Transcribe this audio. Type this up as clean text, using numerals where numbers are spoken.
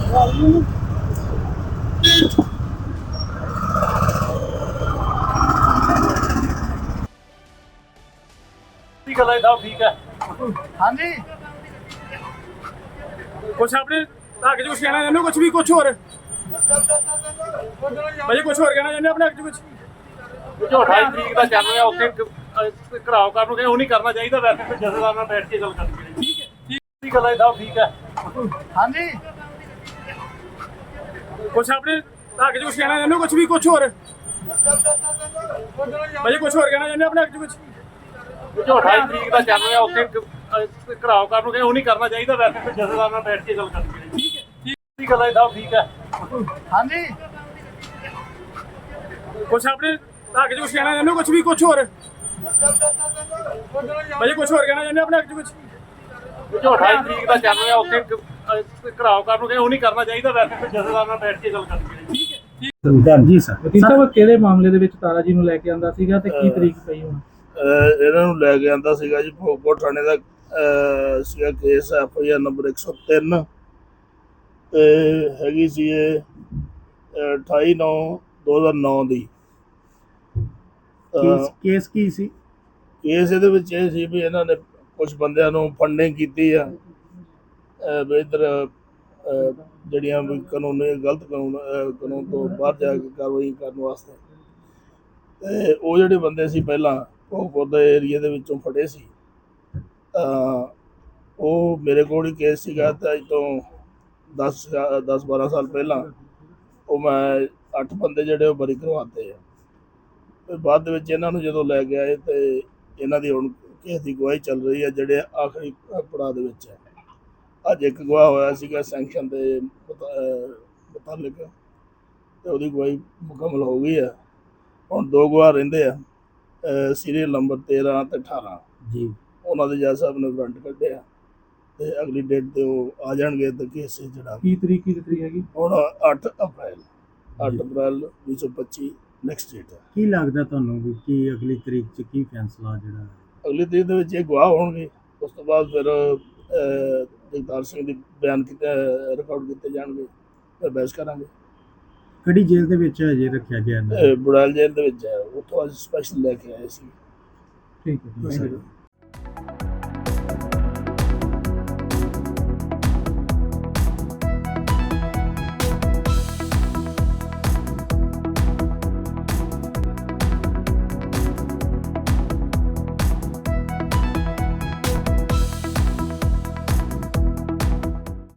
ਗੱਲ ਹੈ ਸਾਹਿਬ, ਠੀਕ ਹੈ। ਹਾਂਜੀ ਕੁਛ ਆਪਣੇ ਹੱਕ 'ਚ ਕੁਛ ਕਹਿਣਾ ਚਾਹੁੰਦੇ ਹੋ? ਕੁਛ ਵੀ, ਕੁਛ ਹੋਰ ਭਾਜੀ, ਕੁਛ ਹੋਰ ਕਹਿਣਾ ਚਾਹੁੰਦੇ ਹੋ ਆਪਣੇ ਹੱਕ 'ਚ? ਕੁਛ ਜੋ 28 ਤਰੀਕ ਦਾ ਚੱਲ ਰਿਹਾ ਉੱਥੇ ਘਰਾਓ ਕਰਨ ਨੂੰ ਕਹਿੰਦੇ ਉਹ ਨਹੀਂ ਕਰਨਾ ਚਾਹੀਦਾ। ਵੈਸੇ ਫਿਰ ਜਥੇਦਾਰ ਨਾਲ ਬੈਠ ਕੇ ਗੱਲ ਕਰਨੀ ਚਾਹੀਦੀ। ਠੀਕ ਹੈ, ਠੀਕ ਗੱਲ ਹੈ ਸਾਹਿਬ, ਠੀਕ ਹੈ। ਹਾਂਜੀ ਕੁਛ ਆਪਣੇ ਹੱਕ 'ਚ ਕੁਛ ਕਹਿਣਾ ਚਾਹੁੰਦੇ ਹੋ? ਕੁਛ ਵੀ, ਕੁਛ ਹੋਰ ਭਾਜੀ, ਕੁਛ ਹੋਰ ਕਹਿਣਾ ਚਾਹੁੰਦੇ ਹੋ ਆਪਣੇ ਹੱਕ 'ਚ? ਕੁਛ ਜੋ 28 ਤਰੀਕ ਦਾ ਚੱਲ ਰਿਹਾ ਉੱਥੇ ਘਰਾਓ ਕਰਨ ਨੂੰ ਕਹਿੰਦੇ ਉਹ ਨਹੀਂ ਕਰਨਾ ਚਾਹੀਦਾ। ਵੈਸੇ ਫਿਰ ਜਥੇਦਾਰ ਨਾਲ ਬੈਠ ਕੇ ਗੱਲ ਕਰਨੀ ਚਾਹੀਦੀ। ਠੀਕ ਹੈ, ਠੀਕ ਗੱਲ ਹੈ ਸਾਹਿਬ, ਠੀਕ ਹੈ। ਹਾਂਜੀ ਕੁਛ ਆਪਣੇ ਹੱਕ 'ਚ ਕੁਛ ਕਹਿਣਾ ਚਾਹੁੰਦੇ ਹੋ? ਕੁਛ ਵੀ, ਕੁਛ ਹੋਰ ਭਾਜੀ, ਕੁਛ ਹੋਰ ਕਹਿਣਾ ਚਾਹੁੰਦੇ ਹੋ ਆਪਣੇ ਹੱਕ 'ਚ? ਕੁਛ ਜੋ 28 ਤਰੀਕ ਦਾ ਚੱਲ ਰਿਹਾ ਉੱਥੇ ਘਰਾਓ ਕਰਨ ਨੂੰ ਕਹਿੰਦੇ ਉਹ ਨਹੀਂ ਕਰਨਾ ਚਾਹੀਦਾ। ਵੈਸੇ ਫਿਰ ਜਥੇਦਾਰ ਨਾਲ ਬੈਠ ਕੇ ਗੱਲ ਕਰਨੀ ਚਾਹੀਦੀ। ਠੀਕ ਹੈ, ਜੀ ਸਰ ਵਕੀਲ ਸਾਹਿਬ, ਕਿਹੜੇ ਮਾਮਲੇ ਦੇ ਵਿੱਚ ਤਾਰਾ ਜੀ ਨੂੰ ਲੈ ਕੇ ਆਂਦਾ ਸੀਗਾ ਤੇ ਕੀ ਤਰੀਕ ਪਈ ਹੁਣ? ਇਹਨਾਂ ਨੂੰ ਲੈ ਕੇ ਆਂਦਾ ਸੀਗਾ ਜੀ ਭੋਗਪੁਰ ਥਾਣੇ ਦਾ ਸੀਗਾ ਕੇਸ FIR ਨੰਬਰ 103 ਤੇ ਹੈਗੀ ਸੀ ਇਹ 28/9/2009 ਦੀ। ਕੇਸ ਕੀ ਸੀ? ਕੇਸ ਇਹਦੇ ਵਿੱਚ ਇਹ ਸੀ ਵੀ ਇਹਨਾਂ ਨੇ ਕੁਝ ਬੰਦਿਆਂ ਨੂੰ ਫੰਡਿੰਗ ਕੀਤੀ ਆ ਵੀ ਇੱਧਰ ਜਿਹੜੀਆਂ ਵੀ ਕਾਨੂੰਨੀ ਗਲਤ ਕਾਨੂੰਨ ਤੋਂ ਬਾਹਰ ਜਾ ਕੇ ਕਾਰਵਾਈ ਕਰਨ ਵਾਸਤੇ। ਤੇ ਉਹ ਜਿਹੜੇ ਬੰਦੇ ਸੀ ਪਹਿਲਾਂ ਭੋਗਪੁਰ ਦੇ ਏਰੀਏ ਦੇ ਵਿੱਚੋਂ ਫੜੇ ਸੀ। ਉਹ ਮੇਰੇ ਕੋਲ ਹੀ ਕੇਸ ਸੀਗਾ ਤੇ ਅੱਜ ਤੋਂ 10-12 ਸਾਲ ਪਹਿਲਾਂ ਉਹ ਮੈਂ 8 ਬੰਦੇ ਜਿਹੜੇ ਉਹ ਬਰੀ ਕਰਵਾਤੇ ਆ। ਫਿਰ ਬਾਅਦ ਦੇ ਵਿੱਚ ਇਹਨਾਂ ਨੂੰ ਜਦੋਂ ਲੈ ਕੇ ਆਏ ਤੇ ਇਹਨਾਂ ਦੀ ਹੁਣ ਕੇਸ ਦੀ ਗਵਾਹੀ ਚੱਲ ਰਹੀ ਹੈ, ਜਿਹੜੇ ਆਖਰੀ ਪੜਾਅ ਦੇ ਵਿੱਚ ਹੈ। ਅੱਜ ਇੱਕ ਗਵਾਹ ਹੋਇਆ ਸੀਗਾ ਸੈਂਕਸ਼ਨ ਦੇ ਮੁਤਾਲਿਕ ਤੇ ਉਹਦੀ ਗਵਾਹੀ ਮੁਕੰਮਲ ਹੋ ਗਈ ਹੈ। ਹੁਣ 2 ਗਵਾਹ ਰਹਿੰਦੇ ਆ, ਸੀਰੀਅਲ ਨੰਬਰ 13 ਤੇ 18 ਜੀ। ਉਹਨਾਂ ਦੇ ਜੱਜ ਸਾਹਿਬ ਨੇ ਵਾਰੰਟ ਕੱਢਿਆ ਤੇ ਅਗਲੀ ਡੇਟ ਤੇ ਉਹ ਆ ਜਾਣਗੇ ਤੇ ਕੇਸ ਜਿਹੜਾ ਕੀ ਤਰੀਕ ਹੈਗੀ? ਹੁਣ 8 ਅਪ੍ਰੈਲ 2025 ਨੈਕਸਟ ਡੇਟ ਹੈ। ਕੀ ਲੱਗਦਾ ਤੁਹਾਨੂੰ ਵੀ ਕੀ ਅਗਲੀ ਤਰੀਕ 'ਚ ਕੀ ਫੈਸਲਾ ਜਿਹੜਾ ਅਗਲੀ ਤਰੀਕ ਦੇ ਵਿੱਚ ਇਹ ਗਵਾਹ ਹੋਣਗੇ। ਉਸ ਤੋਂ ਬਾਅਦ ਫਿਰ ਜਗਤਾਰ ਸਿੰਘ ਦੇ ਬਿਆਨ ਰਿਕਾਰਡ ਕੀਤੇ ਜਾਣਗੇ, ਫਿਰ ਬਹਿਸ ਕਰਾਂਗੇ। ਕਿਹੜੀ ਜੇਲ੍ਹ ਦੇ ਵਿੱਚ ਹਜੇ ਰੱਖਿਆ ਗਿਆ? ਬੁੜੈਲ ਜੇਲ੍ਹ ਦੇ ਵਿੱਚ ਹੈ, ਉੱਥੋਂ ਅੱਜ ਸਪੈਸ਼ਲ ਲੈ ਕੇ ਆਏ ਸੀ। ਠੀਕ ਹੈ।